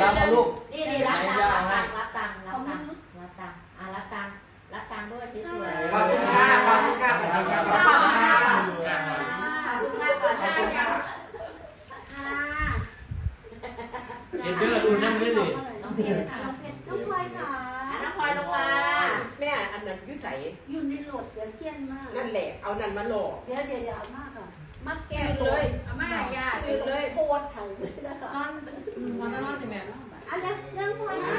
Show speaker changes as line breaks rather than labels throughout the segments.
รับเอาลูก
นี่รับตังค์รับตังค์รับตังค์รับตังค์รับตังค์รับตังค์ด้วยสวยๆ
ขอบคุณค่ะขอบคุณค่ะขอบคุณค่ะขอบคุณค่ะขอบคุณค่ะขอบคุณค่ะ
เห็นเด้อดูนั่งด้วยนี่
น้องเพชรค่ะ
น้องพลอยค่ะ
น้องพลอยลงมา
แม่อันนั้นยุ่ใส
อยู่ในโหลดเดี๋ยวเชี่ยนมาก
นั่นแหละเอานั่นมาหลอก
เดี๋ยวเอามากอ่ะมักแก้
เลย
อาม่าย่า
ซื้อเลย
โคตรไทยเลยนะ
นอนนอนสิแม่
อันนี้เรื่องพลอยนะ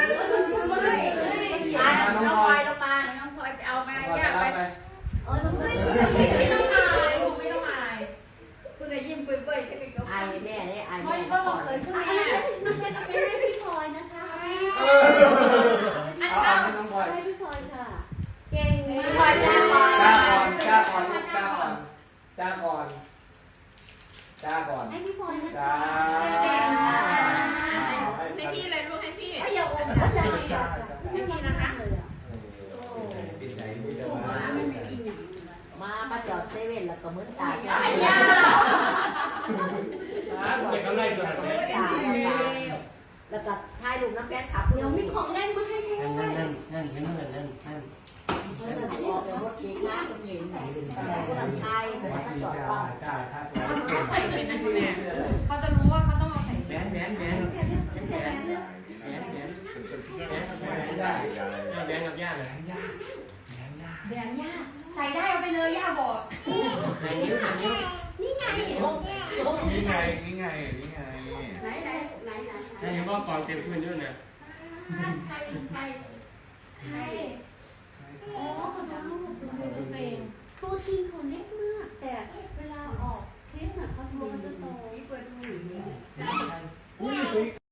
น้องพลอยลงมา
น้องพลอยไปเอามาย่าไป
น้องพลอย
ไม่ต้องอายไม่ต้องอายคุณได้ยิ้มเปื่อยๆใช่ไหมก็
ไอแม่เนี่ยไอ
พลอ
แม่
ยก็เคยขึ้นแม่
น้องเพชรเอาไปให้พี่พลอยนะคะ
เอาให้น้องพลอย
ให้พี่พลอยค่ะเก่งมาก
พลอยจ้าก่อน
จ้าก่อนจ้าก่อนจ้าก่อนจ้าก่อน
ให้พี่พลอยนะ
จ้า
คะเก่งมาก
ให้พี่เลยลูกให้พี่
อย่าอมนะใจไม่มีนะคะเลยอ่ะ
มาประจอดเซเว่นแล้วก็มึนตาย่า
เด็กก็ไล่ตัวนั้น
แล้วก็ถ่ายรูปน้ำแป้งขับ
เดี๋ยวมีของเล่นมาให้ด้วย
นั่นเห็นเหมือนนั่น
ออกไปรถชีน้ำคนเห็นคนไทยคนมาจอดฟัง
จ้าครับ
เขาใส่เป็นนะคุณแม่เขาจะรู้ว่าเขาต้องเอาใส่
แหวนแหวนแหวนแหวนแหวนแหวนแหวนแหวนกับย่าเลย
แดงย่าใส่ได้เอาไปเลยย่าบอก
ไหนนิ้วไหนนิ้ว
นี่ไง
นี่ไงนี่ไงนี่ไง
ไหน
ไหนนิ้วก็กองเต็มพื้นด้วยนะ
ใคร
อ๋อเขาทำลูกดูเป็นตัวจริงเขาเล็กมากแต่เวลาออกเทปน่ะเขาตัวมันจะโต
เปิดดู
อุ้ย